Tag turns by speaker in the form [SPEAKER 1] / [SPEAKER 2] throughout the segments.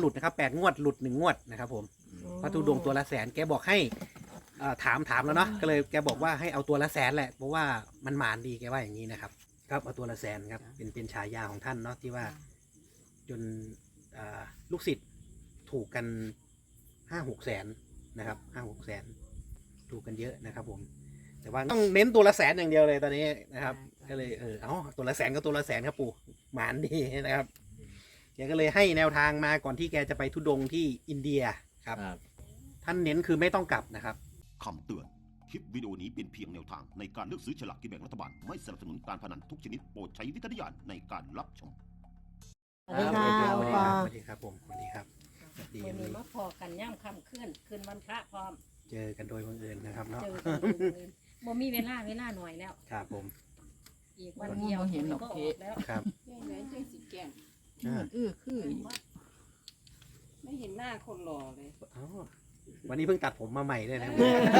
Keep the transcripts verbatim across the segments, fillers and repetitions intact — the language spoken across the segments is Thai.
[SPEAKER 1] ลุดนะครับแปดงวดหลุดหนึ่งงวดนะครับผมพระธุดงค์ตัวละแสนแกบอกให้ถามถามแล้วเนาะก็เลยแกบอกว่าให้เอาตัวละแสนแหละเพราะว่ามันหมานดีแกว่าอย่างนี้นะครับครับเอาตัวละแสนครับเป็นเป็นฉายาของท่านเนาะที่ว่าจนลูกศิษย์ถูกกันห้าหกแสนนะครับห้าหกแสนถูกกันเยอะนะครับผมแต่ว่าต้องเน้นตัวละแสนอย่างเดียวเลยตอนนี้นะครับก็เลยเออเอาตัวละแสนก็ตัวละแสนครับปู่หมานดีนะครับแกก็เลยให้แนวทางมาก่อนที่แกจะไปธุดงค์ที่อินเดียครับท่านเน้นคือไม่ต้องกลับนะครับ
[SPEAKER 2] คำเตือนคลิปวิดีโอนี้เป็นเพียงแนวทางในการเลือกซื้อฉลากกินแบ่งรัฐบาลไม่สนับสนุนการพนันทุกชนิดโปรดใช้วิจารณญาณในการรับชม
[SPEAKER 3] สวัสดีค่ะ
[SPEAKER 1] สวัสดีครับผมสวัสดีครับ
[SPEAKER 3] ดีนี้มาพอกันย่ำค่ำขึ้นคืนวันพระพร้อม
[SPEAKER 1] เจอกันโดยบังเอิญนะครับเนาะ
[SPEAKER 3] เจอกันโดยบังเอิญบ่มีเวลาเวลาหน่อยแล้ว
[SPEAKER 1] ครับผม
[SPEAKER 3] อีกวันเดียวเห็นก็ออกแล้ว
[SPEAKER 1] ครับ
[SPEAKER 4] ไหนใจสีแก้ม
[SPEAKER 3] เออคือ
[SPEAKER 4] ไม่เห็นหน้าคนหล่อเลย
[SPEAKER 1] วันนี้เพิ่งตัดผมมาใหม่ด้วยนะ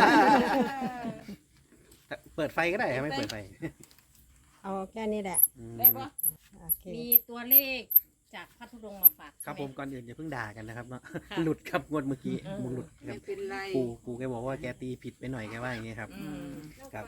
[SPEAKER 1] เปิดไฟก็ได้ไม่เปิดไฟ
[SPEAKER 5] เอาแค่นี้แหละ
[SPEAKER 4] ได้ปะ
[SPEAKER 3] มีตัวเลขจากพระธุดงค์มาฝาก
[SPEAKER 1] ครับผมก่อนอื่นอย่าเพิ่งด่ากันนะครับเนาะหลุดครับงวดเมื่อกี้มุงหลุดครับ
[SPEAKER 4] ไม่เป็นไร
[SPEAKER 1] ปูปูแกบอกว่าแกตีผิดไปหน่อยแกว่าอย่างนี้ครับ
[SPEAKER 4] ครับ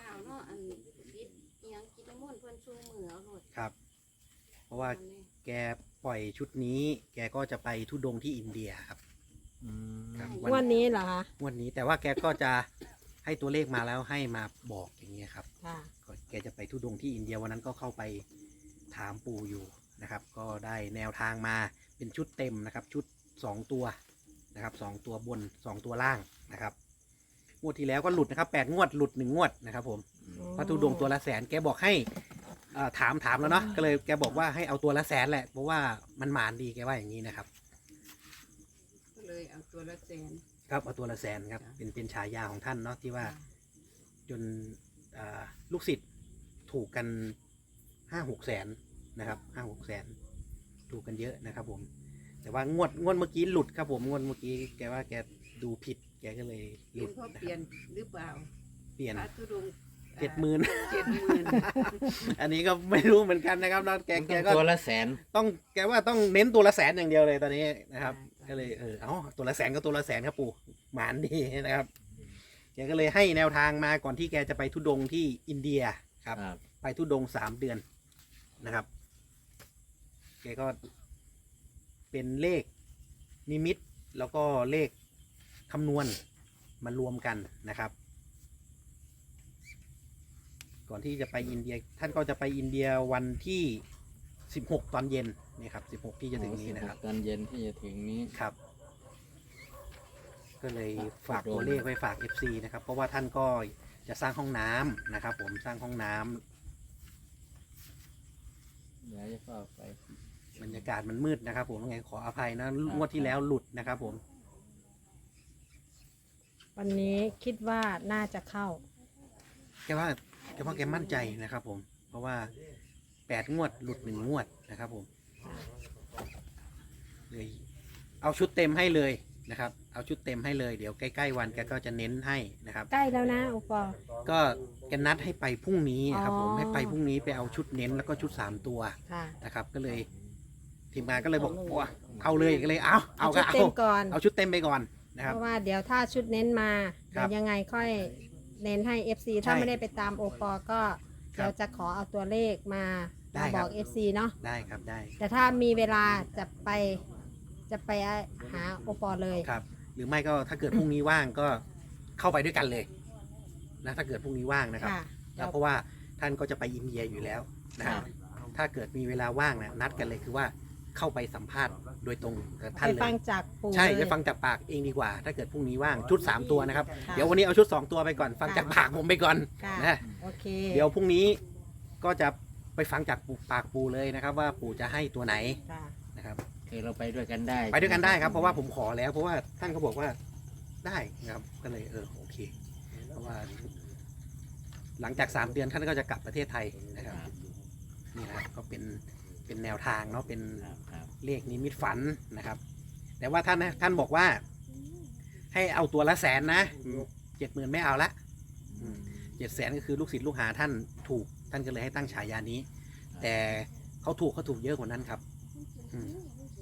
[SPEAKER 1] ครับเพราะว่าแกปล่อยชุดนี้แกก็จะไปธุดงค์ที่อินเดียครับ
[SPEAKER 5] วันนี้เหรอคะ
[SPEAKER 1] วันนี้แต่ว่าแกก็จะให้ตัวเลขมาแล้วให้มาบอกอย่างนี้ครับแกจะไปธุดงค์ที่อินเดียวันนั้นก็เข้าไปถามปู่อยู่นะครับก็ได้แนวทางมาเป็นชุดเต็มนะครับชุดสองตัวนะครับสองตัวบนสองตัวล่างนะครับงวดที่แล้วก็หลุดนะครับแปดงวดหลุดหนึ่งงวดนะครับผมพระธุดงค์ตัวละแสนแกบอกให้ถามถามแล้วเนาะก็เลยแกบอกว่าให้เอาตัวละแสนแหละเพราะว่ามันหมานดีแกว่าอย่างนี้นะครับ
[SPEAKER 4] ก็เลยเอาตัวละแสน
[SPEAKER 1] ครับเอาตัวละแสนครับเป็นเป็นฉายาของท่านเนาะที่ว่าจนลูกศิษย์ถูกกันห้าหกแสนนะครับห้าหกแสนถูกกันเยอะนะครับผมแต่ว่างวดงวดเมื่อกี้หลุดครับผมงวดเมื่อกี้แกว่าแกดูผิดแกก็เลยหลุด
[SPEAKER 4] เปลี่ยนหรือเปล่า
[SPEAKER 1] เปลี่ยน
[SPEAKER 4] พระธุดงค์
[SPEAKER 1] เจ็ดหมื่น
[SPEAKER 4] เจ็ดหมื่น
[SPEAKER 1] อันนี้ก็ไม่รู้เหมือนกันนะครับนะแกแกก็
[SPEAKER 6] ตัวละแสน
[SPEAKER 1] ต้องแกว่าต้องเน้นตัวละแสนอย่างเดียวเลยตอนนี้นะครับก็เลยเออเอาตัวละแสนก็ตัวละแสนครับปู่หมานดีนะครับแกก็เลยให้แนวทางมาก่อนที่แกจะไปธุดงค์ที่อินเดียครับไปธุดงค์สามเดือนนะครับแกก็เป็นเลขนิมิตแล้วก็เลขคำนวณมารวมกันนะครับก่อนที่จะไปอินเดียท่านก็จะไปอินเดียวันที่สิบหกตอนเย็นนี่ครับสิบหกที่จะถึงนี้นะครับ
[SPEAKER 6] ตอนเย็นที่จะถึงนี้
[SPEAKER 1] ครับก็เลยฝากตัวเลขไว้ฝาก เอฟ ซี นะครับเพราะว่าท่านก็จะสร้างห้องน้ำนะครับผมสร้างห้องน้ำ
[SPEAKER 6] เดี๋ยวจะเข้าไป
[SPEAKER 1] บรรยากาศมันมืดนะครับผมยังไงขออภัยนะงวดที่แล้วหลุดนะครับผม
[SPEAKER 5] วันนี้คิดว่าน่าจะเข้า
[SPEAKER 1] แกว่าแกว่าแกมั่นใจนะครับผมเพราะว่าแปดงวดหลุดหนึ่งงวดนะครับผมเลยเอาชุดเต็มให้เลยนะครับเอาชุดเต็มให้เลยเดี๋ยวใกล้ๆวันแกก็จะเน้นให้นะครับ
[SPEAKER 5] ใกล้แล้วนะอุปอ
[SPEAKER 1] ก็แกนัดให้ไปพรุ่งนี้นะครับผมให้ไปพรุ่งนี้ไปเอาชุดเน้นแล้วก็ชุดสามตัวนะครับก็เลยทีมงานก็เลยบอกว่าเอาเลยก็เลยเอาเอา
[SPEAKER 5] ชุดเต็มก่อน
[SPEAKER 1] เอาชุดเต็มไปก่อนนะครับ
[SPEAKER 5] เพราะว่าเดี๋ยวถ้าชุดเน้นมาเดี๋ยวยังไงค่อยเน้นให้ เอฟ ซี ถ้าไม่ได้ไปตามโอปอก็เดี๋ยวจะขอเอาตัวเลขมามาบอก เอฟ ซี เนาะ
[SPEAKER 1] ได้ครับได้
[SPEAKER 5] แต่ถ้ามีเวลาจะไปจะไปหาโอปอเลย
[SPEAKER 1] ครับหรือไม่ก็ถ้าเกิดพรุ่งนี้ว่างก็เข้าไปด้วยกันเลยนะถ้าเกิดพรุ่งนี้ว่างนะครับแล้วเพราะว่าท่านก็จะไปอินเดียอยู่แล้วนะครับถ้าเกิดมีเวลาว่างนะนัดกันเลยคือว่าเข้าไปสัมภาษณ์โดยตรงกับท่านเลย
[SPEAKER 5] ไปฟังจากปู่
[SPEAKER 1] ใช่ไปฟังจากปากเองดีกว่าถ้าเกิดพรุ่งนี้ว่างชุดสามตัวนะครับเดี๋ยววันนี้เอาชุดสองตัวไปก่อนฟังจากปากผมไปก่อนนะ
[SPEAKER 5] โอเค
[SPEAKER 1] เดี๋ยวพรุ่งนี้ก็จะไปฟังจากปากปู่เลยนะครับว่าปู่จะให้ตัวไหนนะครับ
[SPEAKER 6] คือเราไปด้วยกันได้
[SPEAKER 1] ไปด้วยกันได้ครับเพราะว่าผมขอแล้วเพราะว่าท่านเขาบอกว่าได้นะครับก็เลยเออโอเคเพราะว่าหลังจากสามเดือนท่านก็จะกลับประเทศไทยนะครับนี่นะครับก็เป็นเป็นแนวทางเนาะเป็นเลขนิมิตฝันนะครับแต่ว่าท่านท่านบอกว่าให้เอาตัวละแสนนะเจ็ดหมื่นไม่เอาละเจ็ดแสนก็คือลูกศิษย์ลูกหาท่านถูกท่านก็เลยให้ตั้งฉายานี้แต่เขาถูกเขาถูกเยอะกว่านั้นครับแก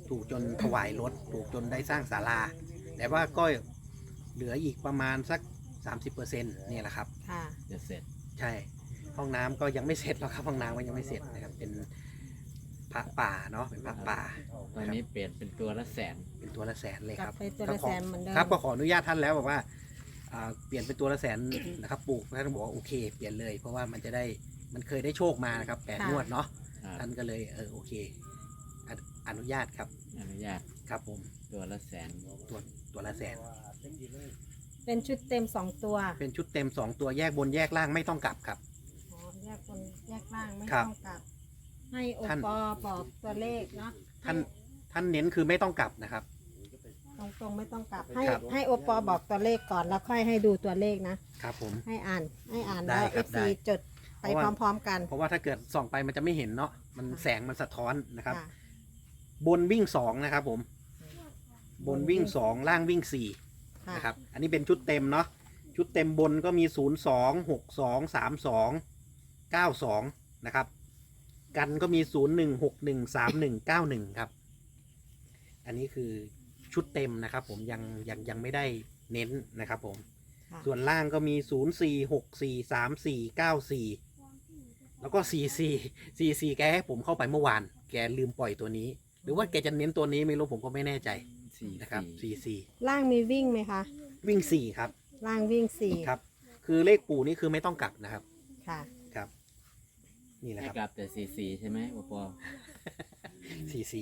[SPEAKER 1] ถูกจนถวายรถถูกจนได้สร้างศาลาแต่ว่าก็เหลืออีกประมาณสัก สามสิบเปอร์เซ็นต์ นี่แหละครับ
[SPEAKER 5] ค่ะ
[SPEAKER 6] จะเสร็จ
[SPEAKER 1] ใช่ห้องน้ำก็ยังไม่เสร็จหรอกครับห้องน้ำก็ยังไม่เสร็จนะครับเป็นพระป่าเนาะเป็นพระป่า
[SPEAKER 6] ตอนนี้เปลี่ยนเป็นตัวละแสน
[SPEAKER 1] เป็นตัวละแสนเลย
[SPEAKER 5] ก
[SPEAKER 1] ค
[SPEAKER 5] ลั
[SPEAKER 1] รั
[SPEAKER 5] บบ ไปตัวละ
[SPEAKER 1] ก็ขอ
[SPEAKER 5] แสนเหมือนเดิม
[SPEAKER 1] ครับก็ขออนุญาตท่านแล้วบอกว่าอ่าเปลี่ยนเป็นตัวละแสนนะครับปู่ท่านบอกว่าโอเคเปลี่ยนเลยเพราะว่ามันจะได้มันเคยได้โชคมานะครับแปดงวดเนาะ
[SPEAKER 6] ครับ
[SPEAKER 1] ท่านก็เลยเออโอเคอนุอนุญาตครับ
[SPEAKER 6] อนุญาต
[SPEAKER 1] ครับผม
[SPEAKER 6] ตัวละแสน
[SPEAKER 1] ตัวตัวละแสน
[SPEAKER 5] เป็นชุดเต็มสองตัว
[SPEAKER 1] เป็นชุดเต็มสองตัวแยกบนแยกล่างไม่ต้องกลับครับ
[SPEAKER 5] อ๋อแยกบนแยกล่างไม่
[SPEAKER 1] ครับ
[SPEAKER 5] ต้องกลับ ให้โอ
[SPEAKER 1] ท่าน
[SPEAKER 5] ปอบอกตัวเลขเนาะ
[SPEAKER 1] ท่านท่านเน้นคือไม่ต้องกลับนะครับ
[SPEAKER 5] ตรงตรงๆไม่ต้องกลับ ให้
[SPEAKER 1] ครับ
[SPEAKER 5] ให้โอปอบอกตัวเลขก่อนแล้วค่อยให้ดูตัวเลขนะ
[SPEAKER 1] ครับผม
[SPEAKER 5] ให้อ่านให้อ่าน
[SPEAKER 1] ได้
[SPEAKER 5] แล้ว
[SPEAKER 1] ค
[SPEAKER 5] เอ
[SPEAKER 1] รับ
[SPEAKER 5] ฟ
[SPEAKER 1] ได้
[SPEAKER 5] ซีจดไป
[SPEAKER 1] เพราะว่า
[SPEAKER 5] พร้อม ๆ กัน
[SPEAKER 1] เพราะว่าถ้าเกิดส่องไปมันจะไม่เห็นเนาะมันแสงมันสะท้อนนะครับ
[SPEAKER 5] ค่ะ
[SPEAKER 1] บนวิ่งสองนะครับผม บนวิ่งสองล่างวิ่งสี่
[SPEAKER 5] ค่ะ
[SPEAKER 1] นะครับ อันนี้เป็นชุดเต็มเนาะ ชุดเต็มบนก็มีศูนย์สองหกสองสามสองเก้าสองนะครับ กันก็มีศูนย์หนึ่งหกหนึ่งสามหนึ่งเก้าหนึ่งครับ อันนี้คือชุดเต็มนะครับ ผมยังยังยังไม่ได้เน้นนะครับผม
[SPEAKER 5] ค่ะ
[SPEAKER 1] ส่วนล่างก็มีศูนย์สี่หกสี่สามสี่เก้าสี่แล้วก็สี่สี่สี่สี่แกให้ผมเข้าไปเมื่อวาน แกลืมปล่อยตัวนี้ หรือว่าแกจะเน้นตัวนี้ไม่รู้ผมก็ไม่แน่ใจ
[SPEAKER 6] สี่
[SPEAKER 1] นะครับ
[SPEAKER 6] สี่
[SPEAKER 1] สี่สี่
[SPEAKER 5] ล่างมีวิ่งไหมคะ
[SPEAKER 1] วิ่งสี่ครับ
[SPEAKER 5] ล่างวิ่งสี่
[SPEAKER 1] ครับ คือเลขปู่นี่คือไม่ต้องกลับนะครับ
[SPEAKER 5] ค่ะ
[SPEAKER 1] ครับ นี่แหละ
[SPEAKER 6] ให้
[SPEAKER 1] ครับ
[SPEAKER 6] กลับแต่สี่สี่ใช่ไหมโอปอ
[SPEAKER 1] สี่สี่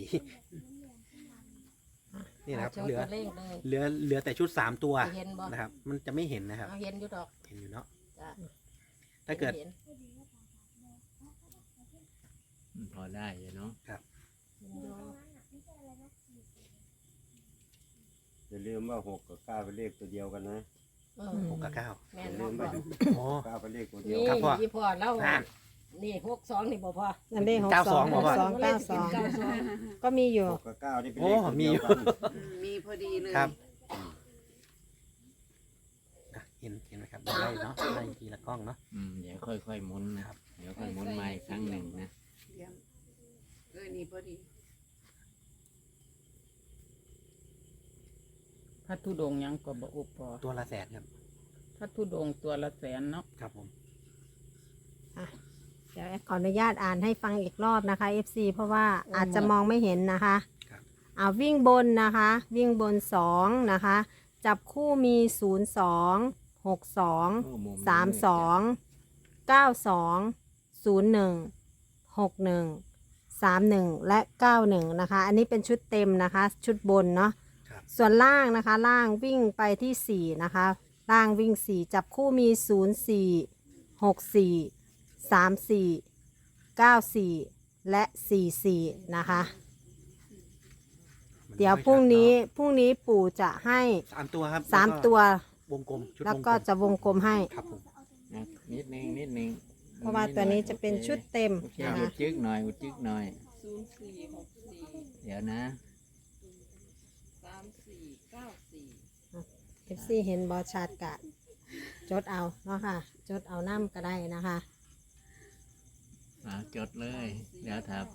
[SPEAKER 1] นี่นะครับ
[SPEAKER 3] โชว์
[SPEAKER 1] เหลือ
[SPEAKER 3] ตัวเลขเลย
[SPEAKER 1] เหลือเหลือแต่ชุดสามตัว
[SPEAKER 3] เห็นบ่
[SPEAKER 1] นะครับ มันจะไม่เห็นนะครับ
[SPEAKER 3] เอาเห็นอยู่ดอก
[SPEAKER 1] เห็นอยู่เนาะ
[SPEAKER 3] จ้ะ
[SPEAKER 1] ถ้าเกิด
[SPEAKER 3] ห็น
[SPEAKER 6] อืมพอได้อยู่เนาะ
[SPEAKER 3] เห็นอยู่
[SPEAKER 7] อย่าลืมว่าหกกับเก้าเป็นเลขตัวเดียวกันนะ
[SPEAKER 3] เออ
[SPEAKER 1] หกกับเก้า
[SPEAKER 3] แม่
[SPEAKER 7] อน ย่า
[SPEAKER 3] บ
[SPEAKER 7] ลื
[SPEAKER 3] อก
[SPEAKER 7] ม
[SPEAKER 3] บ่
[SPEAKER 7] ว่า
[SPEAKER 1] โอ้
[SPEAKER 7] เก้าเป็นเลขตัวเดียว
[SPEAKER 3] นี่
[SPEAKER 1] ครับพ่อ
[SPEAKER 3] ยี่พ่อแล้ว
[SPEAKER 1] นั่น
[SPEAKER 3] นี่หกสองนี่บ่พ่อ
[SPEAKER 5] นั่นเลขหก
[SPEAKER 1] เก้า
[SPEAKER 5] ส
[SPEAKER 1] ส
[SPEAKER 5] อ
[SPEAKER 1] อง ง
[SPEAKER 5] ห
[SPEAKER 1] บอก
[SPEAKER 5] ก
[SPEAKER 1] ว่า
[SPEAKER 5] สองเก้าสอง
[SPEAKER 3] เก้าสอง
[SPEAKER 5] ก็มีอยู่
[SPEAKER 7] หกกับเก้านี่เป็น
[SPEAKER 1] โอ้
[SPEAKER 7] เลขตัว
[SPEAKER 1] มี
[SPEAKER 7] เดี
[SPEAKER 1] อ
[SPEAKER 7] ยว
[SPEAKER 1] ยู่
[SPEAKER 7] กัน
[SPEAKER 4] อืมมีพอดีเลย
[SPEAKER 1] ครับอ่ะเห็นเห็นไหมครับไล่เนาะไล่ทีละกล้องเนาะ
[SPEAKER 6] อืมเดี๋ยวค่อยๆหมุนนะครับ เดี๋ยวค่อยหมุนมาอีกครั้งหนึ่งนะ
[SPEAKER 4] เยี่ยมเออนี่พอดี
[SPEAKER 8] พระธุดงค์ยังก็บอุปปอ
[SPEAKER 1] ตัวละแสนครับ
[SPEAKER 8] พระธุดงค์ตัวละแสนเนาะ
[SPEAKER 1] ครับผม
[SPEAKER 5] อ่ะเดี๋ยวแอดขออนุญาตอ่านให้ฟังอีกรอบนะคะ เอฟ ซี เพราะว่าอาจจะมองไม่เห็นนะคะ
[SPEAKER 1] ครับ
[SPEAKER 5] เอาวิ่งบนนะคะ วิ่งบนสองนะคะ จับคู่มีศูนย์สองหกสอง
[SPEAKER 6] โอ้มุมนี้
[SPEAKER 5] สามสองเก้าสองศูนย์หนึ่งหกหนึ่งสามหนึ่งและเก้าหนึ่งนะคะ อันนี้เป็นชุดเต็มนะคะ ชุดบนเนาะ
[SPEAKER 1] ครับ
[SPEAKER 5] ส่วนล่างนะคะ ล่างวิ่งไปที่สี่นะคะ ล่างวิ่งสี่จับคู่มีศูนย์สี่หกสี่สามสี่เก้าสี่และสี่สี่นะคะ
[SPEAKER 1] มัน
[SPEAKER 5] เดี๋ยว
[SPEAKER 1] ไม่
[SPEAKER 5] พรุ่งนี้
[SPEAKER 1] ชัด
[SPEAKER 5] พรุ่งนี้ปู่จะให้
[SPEAKER 1] เนาะสามตัวครับ
[SPEAKER 5] สาม
[SPEAKER 1] แล้ก็
[SPEAKER 5] ตัว
[SPEAKER 1] วงกลมชุด
[SPEAKER 5] แล้ว
[SPEAKER 1] วง
[SPEAKER 5] ก็
[SPEAKER 1] ลม
[SPEAKER 5] จะวงกลมให้
[SPEAKER 1] ครับผม
[SPEAKER 6] นะนิดนึงนิดนึง
[SPEAKER 5] เพราะว่าตัวนี้จะเป็นชุดเต็ม
[SPEAKER 6] โอเค
[SPEAKER 5] นะ
[SPEAKER 6] อุ
[SPEAKER 5] คะ
[SPEAKER 6] ดจึกหน่อยอุดจึกหน่อย
[SPEAKER 4] ศูนย์สี่หกสี่
[SPEAKER 6] เดี๋ยวนะ
[SPEAKER 4] สามสี่เก้าสี่
[SPEAKER 5] เอฟซีเห็นบอชัดกะ จดเอาเนาะค่ะ จดเอาน้ำก็ได้นะคะ
[SPEAKER 6] อ่าจดเลย เดี๋ยวครับ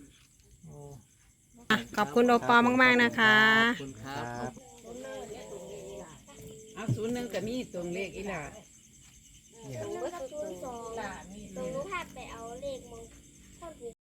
[SPEAKER 5] อ่ะขอบคุณโอปอมาก ๆ นะคะ
[SPEAKER 6] ขอบคุณครับ
[SPEAKER 1] ครับ
[SPEAKER 4] เอาศูนย์หนึ่งก็มีตรงเลขอีหล่ะ
[SPEAKER 1] นี่ครับ
[SPEAKER 9] หนูก็ศูนย์สองตรงหนูพาไปเอาเลขมงคล